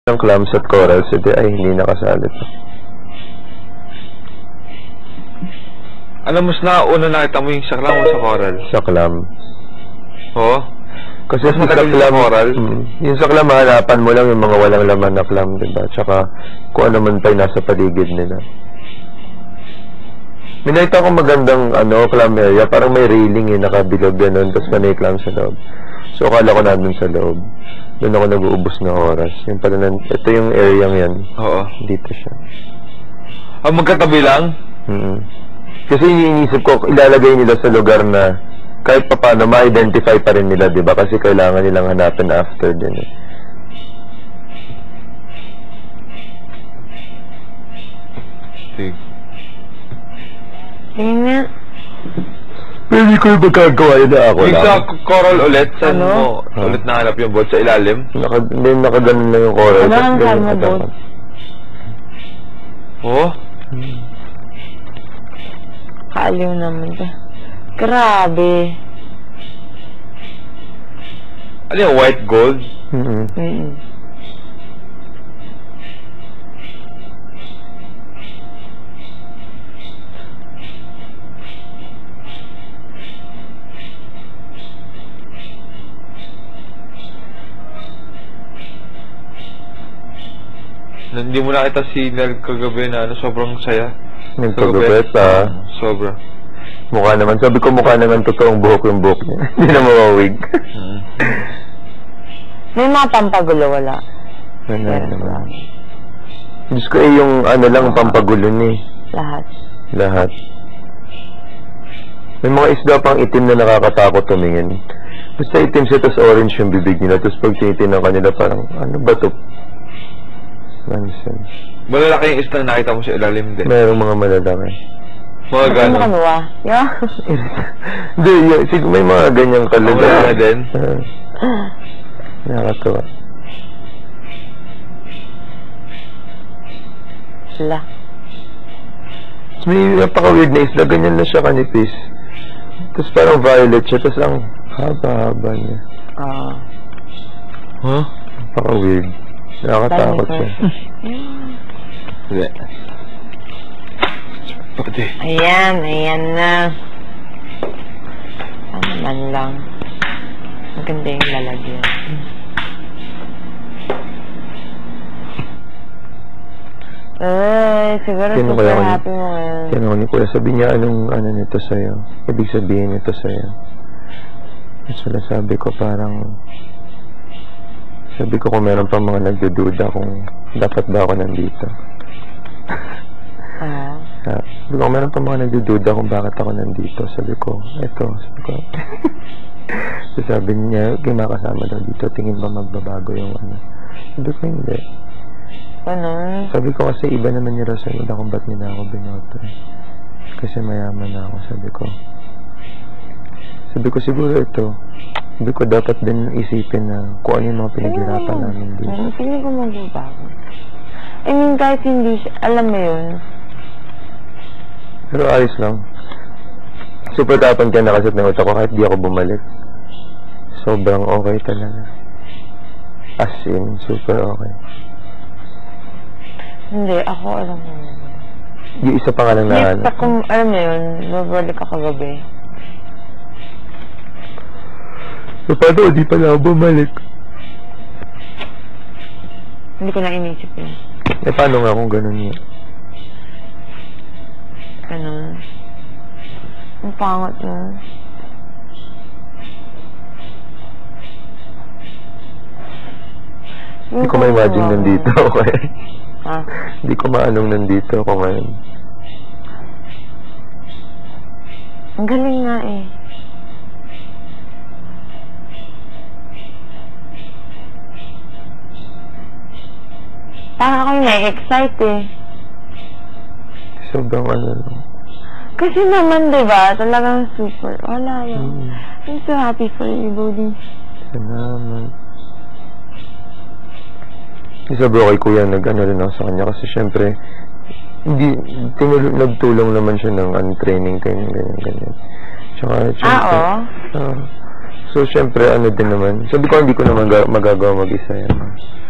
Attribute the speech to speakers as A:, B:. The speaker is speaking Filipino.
A: ng clams at corals, ay hindi nakasali to.
B: Alam mo, una nakita mo yung sa clam o sa coral?
A: Sa clam.
B: Oo?
A: Kasi sa clam,
B: coral?
A: Yung sa clam, hahanapan mo lang yung mga walang laman na clam, diba? Tsaka kung ano man pa yung nasa paligid nila. May nakita ko magandang clam area, parang may railing nakabilog ganun, tapos may clam sa loob. So akala ko nandun sa loob. Doon ako nag-uubos ng oras. Yung pala, ito yung area yan.
B: Oo.
A: Dito siya.
B: Magkatabi lang?
A: Kasi iniisip ko, ilalagay nila sa lugar na kahit pa paano, ma-identify pa rin nila, diba? Kasi kailangan nilang hanapin after din.
C: Tingin nga.
A: Pwede ko yung magkagawa yun na ako
B: yung
A: lang.
B: Sa coral ulit, saan mo ulit nahanap yung boat? Sa ilalim?
A: Hindi, nakaganon lang yung coral.
C: Wala ang saan mo boat?
B: Oo?
C: Kaaliw naman ka. Grabe.
B: Ano yung white gold? Hindi mo nakita si Nel kagabi na sobrang saya.
A: Nagpagupit
B: Sobra.
A: Mukha naman. Sabi ko mukha naman totoong buhok yung buhok niya. Hindi na mawawig.
C: May mga pampagulo, wala.
A: Wala naman. Diyos ko yung lang pampagulo ni. Lahat. May mga isda pang itim na nakakatakot tumingin. Basta itim siya, tapos orange yung bibig nila. Tapos pag tinitin ng kanila parang, ano ba ito? Nonsense.
B: Malalaki yung isda na nakita mo sa ilalim din.
A: Mayroong mga malalaki.
B: Mga gano'n.
C: Ano ka yeah.
A: Hindi, may mga ganyang kalula.
B: Wala din.
A: Nakakatawa.
C: Wala.
A: May napaka-weird na isla. Ganyan na siya kanipis. Tapos parang violet siya. Tapos ang haba-haba niya.
B: Huh?
A: Napaka-weird. Nakakatakot siya.
B: Hindi. Pati.
C: Ayan na. Ano man lang. Maganda yung lalagyan. Siguro super happy mo ngayon.
A: Yan ako ni Kuya. Sabi niya, anong nito sa'yo? Ibig sabihin nito sa'yo. At wala sabi ko parang... Sabi ko kung meron pa mga nagdududa kung dapat ba ako nandito. Sabi ko kung meron pa mga nagdududa kung bakit ako nandito. Sabi ko, sabi ko. So sabi niya, kinakasama daw dito, tingin ba magbabago yung Sabi ko hindi.
C: Ano?
A: Sabi ko kasi iba naman yung rason nila kung ba't nila ako binoto. Kasi mayaman na ako, sabi ko. Sabi ko siguro ito. Sabi ko dapat din isipin na kung ano yung mga pinaghirapan namin dito.
C: Hindi ko magbabago. I mean, kahit hindi siya, alam mo yun.
A: Pero ayos lang. Super tapon ka nakasat ng utak ko kahit di ako bumalik. Sobrang okay talaga. As in, super okay.
C: Hindi, ako alam mo yun.
A: Yung isa pa nga lang na
C: kung alam mo yun, babalik ako gabi.
A: So, paano? Di pala ako bumalik.
C: Hindi ko na inisip yun.
A: Paano nga kung ganun yun?
C: Ganun. Ang pangat mo.
A: Hindi ko ma-imagine nandito ako eh. Hindi ko maanong nandito ako ngayon.
C: Ang galing nga eh. Parang ako na-excite eh.
A: Sobrang lang.
C: Kasi naman, diba, talagang super. Wala yan. I'm so happy for you, Bodhi.
A: Salamat. Sabi ko kay Kuya, nag-ano rin ako sa kanya kasi syempre, nagtulong naman siya ng training kayo, ganyan. Tsaka, syempre, so, syempre, din naman. Sabi ko, hindi ko naman magagawa mag-isa yan.